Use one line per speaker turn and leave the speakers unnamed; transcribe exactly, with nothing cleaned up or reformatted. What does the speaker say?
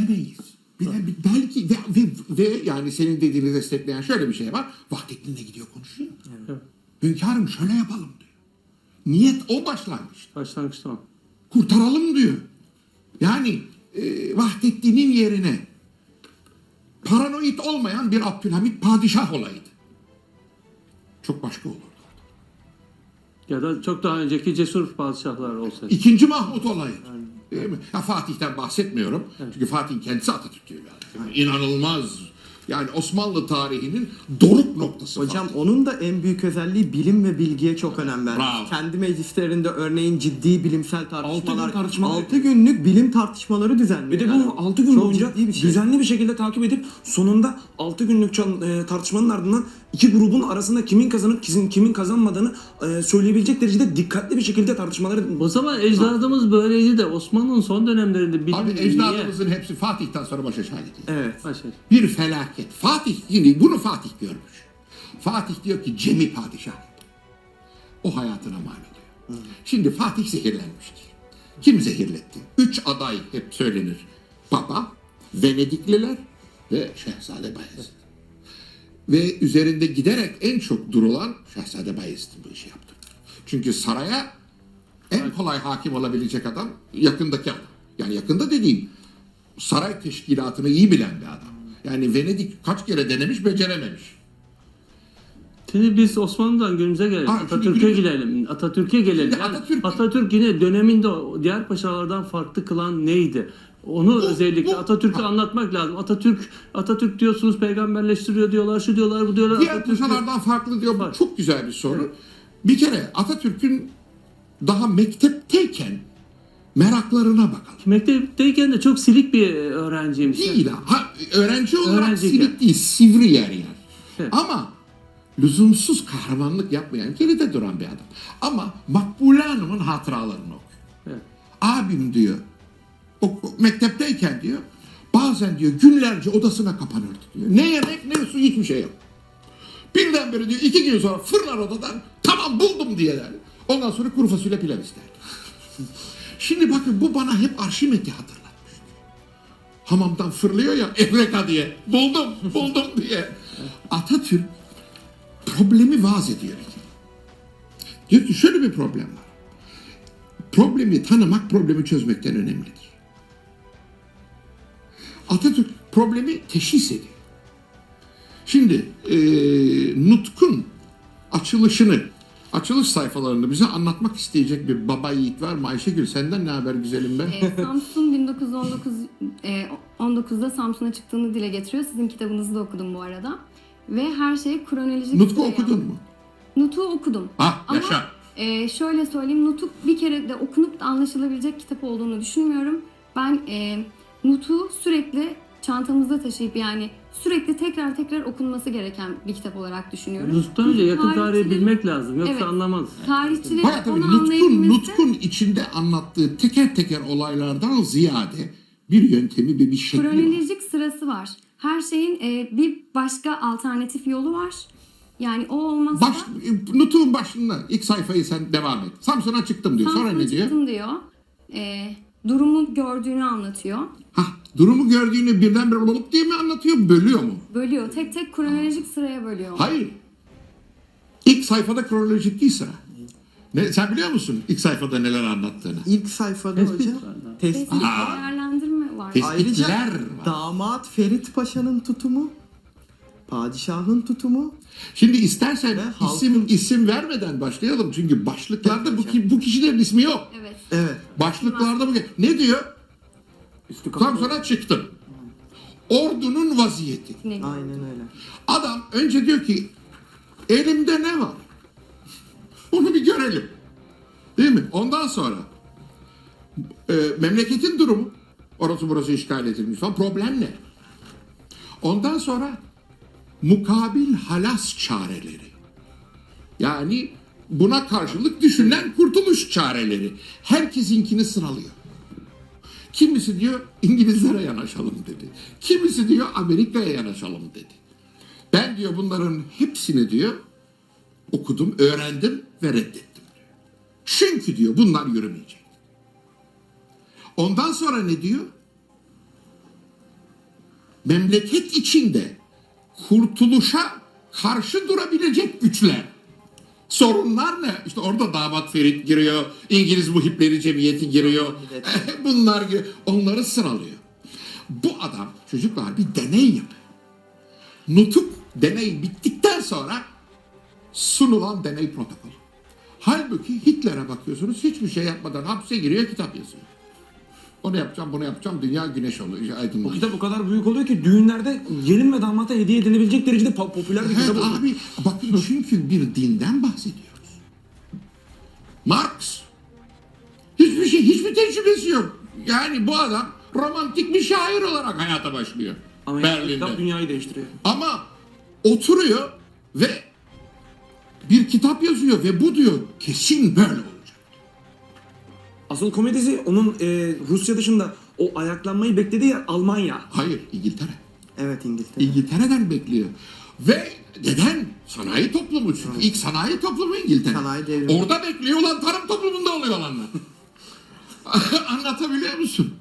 bilemeyiz. Bile, belki ve, ve, ve yani senin dediğini destekleyen şöyle bir şey var. Vahdettin'le gidiyor konuşuyor.
Evet.
Hünkârım şöyle yapalım diyor. Niyet o başlangıç.
Başlangıçta o.
Kurtaralım diyor. Yani e, Vahdettin'in yerine paranoid olmayan bir Abdülhamit padişah olaydı. Çok başka olurdu.
Ya da çok daha önceki cesur padişahlar olsaydı.
İkinci Mahmut olayı. Değil mi? Ya Fatih'ten bahsetmiyorum. Çünkü Fatih'in kendisi Atatürk diyor yani. İnanılmaz. Yani Osmanlı tarihinin doruk noktası.
Hocam
Fatih.
onun da en büyük özelliği bilim ve bilgiye çok önem vermiş.
Bravo.
Kendi meclislerinde örneğin ciddi bilimsel tartışmalar,
gün tartışmalar-
altı günlük bilim tartışmaları düzenliyor.
Bir de
yani.
bunu altı gün
Çok
boyunca
ciddi bir şey.
düzenli bir şekilde takip edip sonunda altı günlük çal- e, tartışmanın ardından iki grubun arasında kimin kazanıp kimin, kimin kazanmadığını e, söyleyebilecek derecede dikkatli bir şekilde tartışmaları.
O zaman ecdadımız böyleydi de Osmanlı'nın son dönemlerinde bilim
Abi
niye?
ecdadımızın hepsi Fatih'ten sonra başa şahit ediyor.
Evet.
Başa.
Bir felaket. Fatih, şimdi bunu Fatih görmüş. Fatih diyor ki Cemi padişah. O hayatına mal ediyor. Şimdi Fatih zehirlenmiştir. Kim zehirletti? Üç aday hep söylenir. Papa, Venedikliler ve Şehzade Bayezid. Ve üzerinde giderek en çok durulan Şehzade Bayezid'in bu işi yaptı. Çünkü saraya en kolay hakim olabilecek adam yakındaki adam. Yani yakında dediğim saray teşkilatını iyi bilen bir adam. Yani Venedik kaç kere denemiş, becerememiş.
Şimdi biz Osmanlı'dan günümüze gelelim.
Ha, şimdi
Atatürk'e
günümüz-
gelelim. Atatürk'e gelelim.
Şimdi
Yani
Atatürk-
Atatürk yine döneminde o diğer paşalardan farklı kılan neydi? Onu özellikle
bu-
Atatürk'ü
ha.
anlatmak lazım. Atatürk Atatürk diyorsunuz peygamberleştiriyor diyorlar, şu diyorlar, bu diyorlar.
Diğer
Atatürk'ü-
paşalardan farklı diyor. Bu
Var.
çok güzel bir soru. Bir kere Atatürk'ün daha mektepteyken meraklarına bakalım.
Mektepteyken de çok silik bir öğrenciymiş.
Değil ha. ha öğrenci olarak
Öğrenciyken.
silik değil, sivri yer yer.
Evet.
Ama lüzumsuz kahramanlık yapmayan, geride duran bir adam. Ama Makbule Hanım'ın hatıralarını okuyor.
Evet.
Abim diyor, o, mektepteyken diyor, bazen diyor günlerce odasına kapanırdı diyor. Ne yemek ne su hiçbir şey yok. Birdenbire diyor iki gün sonra fırlar odadan, tamam buldum diye der. Ondan sonra kuru fasulye pilav ister. Şimdi bakın bu bana hep Arşimet'i hatırlatmış. Hamamdan fırlıyor ya Evreka diye. Buldum, buldum diye. Atatürk problemi vaz ediyor. Diyor ki şöyle bir problem var. Problemi tanımak problemi çözmekten önemlidir. Atatürk problemi teşhis ediyor. Şimdi e, Nutk'un açılışını, açılış sayfalarını bize anlatmak isteyecek bir baba yiğit var mı? Ayşegül senden ne haber güzelim be?
E, Samsun bin dokuz yüz on dokuz e, on dokuzda Samsun'a çıktığını dile getiriyor. Sizin kitabınızı da okudum bu arada. Ve her şeyi kronolojik...
Nutk'u
sıraya-
okudun mu?
Nutuk'u okudum.
Ha
Ama
yaşa.
e, şöyle söyleyeyim, Nutuk bir kere de okunup da anlaşılabilecek kitap olduğunu düşünmüyorum. Ben e, Nutuk'u sürekli çantamızda taşıyıp yani sürekli tekrar tekrar okunması gereken bir kitap olarak düşünüyorum.
Nutuk'tan önce yakın tarihi
Tarihçilerin-
bilmek lazım. Yoksa
Evet.
anlamaz.
Tarihçilerin
Bayağı tabii
onu
Nutk'un,
anlayabilmesi...
Nutk'un içinde anlattığı teker teker olaylardan ziyade bir yöntemi ve bir şekli var.
Kronolojik sırası var. Her şeyin e, bir başka alternatif yolu var. Yani o olmazsa
Baş, Nutuk'un başında ilk sayfayı sen devam et. Samsun'a çıktım diyor. Sonra
Samsun'a
ne diyor?
çıktım diyor. E, durumu gördüğünü anlatıyor.
Ha, durumu gördüğünü birdenbire olup diye mi anlatıyor, bölüyor mu?
Bölüyor. Tek tek kronolojik sıraya bölüyor.
Hayır. İlk sayfada kronolojik değil sıra. Ne, sen biliyor musun ilk sayfada neler anlattığını?
İlk sayfada
Tespit
hocam
var da.
tespit.
Tespit,
Aa.
değerlendirme var.
Tespit.
Ayrıca
Tespitler var.
damat Ferit Paşa'nın tutumu, padişahın tutumu.
Şimdi istersen
Ve halkın-
isim isim vermeden başlayalım. Çünkü başlıklarda bu, ki- bu kişilerin ismi yok.
Evet.
Evet.
Başlıklarda bu. Ne diyor?
Üstü kapalı.
Samsun'a çıktım. Ordunun vaziyeti.
Ne gibi?
Aynen öyle.
Adam önce diyor ki elimde ne var? Onu bir görelim. Değil mi? Ondan sonra e, memleketin durumu, orası burası işgal edilmiş falan, problem ne? Ondan sonra mukabil halas çareleri. Yani buna karşılık düşünülen kurtuluş çareleri. Herkesinkini sıralıyor. Kimisi diyor İngilizlere yanaşalım dedi. Kimisi diyor Amerika'ya yanaşalım dedi. Ben diyor bunların hepsini diyor okudum, öğrendim ve reddettim diyor. Çünkü diyor bunlar yürümeyecek. Ondan sonra ne diyor? memleket içinde kurtuluşa karşı durabilecek güçler. Sorunlar ne? İşte orada damat Ferit giriyor, İngiliz Muhipleri Cemiyeti giriyor, bunlar giriyor, onları sıralıyor. Bu adam çocuklar bir deney yapıyor. Nutuk deney bittikten sonra sunulan deney protokolü. Halbuki Hitler'e bakıyorsunuz hiçbir şey yapmadan hapse giriyor, kitap yazıyor. Onu yapacağım, bunu yapacağım, dünya güneş oluyor,
O
aydınlanıyor.
kitap o kadar büyük oluyor ki düğünlerde gelin ve damata hediye edilebilecek derecede po- popüler bir
Evet
kitap oluyor.
abi, bakın çünkü bir dinden bahsediyoruz. Marx hiçbir şey, hiçbir tecrübesi yok. Yani bu adam romantik bir şair olarak hayata başlıyor.
Ama yani
Berlin'de.
kitap dünyayı değiştiriyor.
Ama oturuyor ve bir kitap yazıyor ve bu diyor kesin böyle olacak.
Asıl komedisi onun e, Rusya dışında o ayaklanmayı beklediği yer Almanya.
Hayır, İngiltere.
Evet, İngiltere.
İngiltere'den bekliyor. Ve neden? Sanayi toplumu çünkü. İlk sanayi toplumu İngiltere.
Sanayi devrimi.
Orada bekliyor olan tarım toplumunda oluyor olanlar. Anlatabiliyor musun?